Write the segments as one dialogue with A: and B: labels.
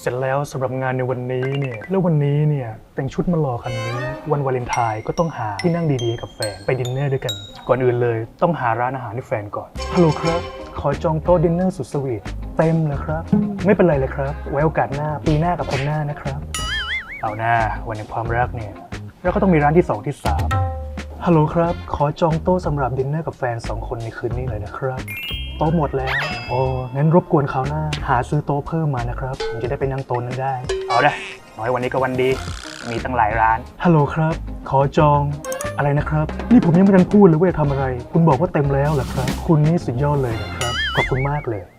A: เสร็จแล้วสำหรับงานในวันนี้เนี่ยแล้ววันนี้เนี่ยแต่งชุดมารอคันนี้วันวาเลนไทน์ก็ต้องหาที่นั่งดีๆกับแฟนไปดินเนอร์ด้วยกันก่อนอื่นเลยต้องหาร้านอาหารให้แฟนก่อนฮัลโหลครับขอจองโต๊ะดินเนอร์สุดสวีทเต็มเลยครับไม่เป็นไรเลยครับไว้โอกาสหน้าปีหน้ากับคนหน้านะครับเอาหน้าวันแห่งความรักเนี่ยเราก็ต้องมีร้านที่2ที่3ฮัลโหลครับขอจองโต๊ะสำหรับดินเนอร์กับแฟน2คนในคืนนี้เลยนะครับโต๊ะหมดแล้วโอ้งั้นรบกวนคราวหน้าหาซื้อโต๊ะเพิ่มมานะครับผมจะได้ไปนั่งโต๊ะนั้นได้เอาได้น้อยวันนี้ก็วันดีมีตั้งหลายร้านฮัลโหลครับขอจองอะไรนะครับนี่ผมยังไม่ทันพูดเลยว่าจะทำอะไรคุณบอกว่าเต็มแล้วเหรอครับคุณนี่สุดยอดเลยนะครับขอบคุณมากเลย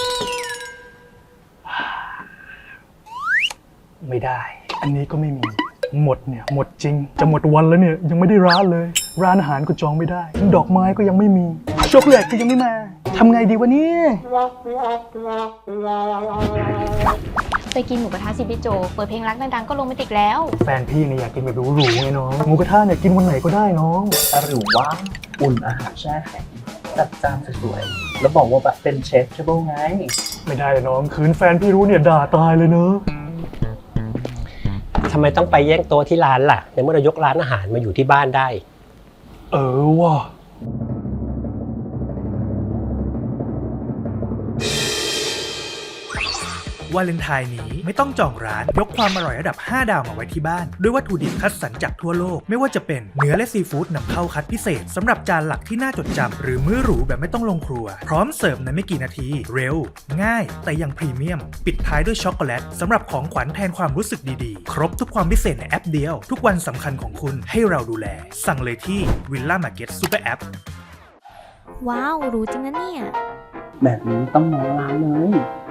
A: ไม่ได้อันนี้ก็ไม่มีหมดเนี่ยหมดจริงจะหมดวันแล้วเนี่ยยังไม่ได้ร้านเลยร้านอาหารก็จองไม่ได้ดอกไม้ก็ยังไม่มีช็อกโกแลตก็ยังไม่มาทำไงดีวะเนี่ย
B: ไปกินหมูกระทะสิพี่โจเปิดเพลงรักดังๆก็โรแมนติกแล้ว
A: แฟนพี่เนี่ยอยากกินแบบหรูๆไงน้องหมูกระทะเนี่ยกินวันไหนก็ได้น้อง
C: หรือว่าอุ่นอาหารแช่แข็งจัดจานสวยๆแล้วบอกว่าแบบเป็นเชฟเชฟไง
A: ไม่ได้เลยน้องคืนแฟนพี่รู้เนี่ยด่าตายเลยเนอะ
D: ทำไมต้องไปแย่งโต๊ะที่ร้านล่ะในเมื่อเรายกร้านอาหารมาอยู่ที่บ้านได้
A: ว่ะ
E: วาเลนไทน์นี้ไม่ต้องจองร้านยกความอร่อยระดับ5ดาวมาไว้ที่บ้านด้วยวัตถุดิบคัดสรรจากทั่วโลกไม่ว่าจะเป็นเนื้อและซีฟู้ดนำเข้าคัดพิเศษสำหรับจานหลักที่น่าจดจำหรือมื้อหรูแบบไม่ต้องลงครัวพร้อมเสิร์ฟในไม่กี่นาทีเร็วง่ายแต่ยังพรีเมียมปิดท้ายด้วยช็อกโกแลตสำหรับของขวัญแทนความรู้สึกดีๆครบทุกความพิเศษในแอปเดียวทุกวันสำคัญของคุณให้เราดูแลสั่งเลยที่ Villa Market Super App
B: ว้าวรู้จริงนะเนี่ย
C: แบบนี้ต้องน้องร้านเลย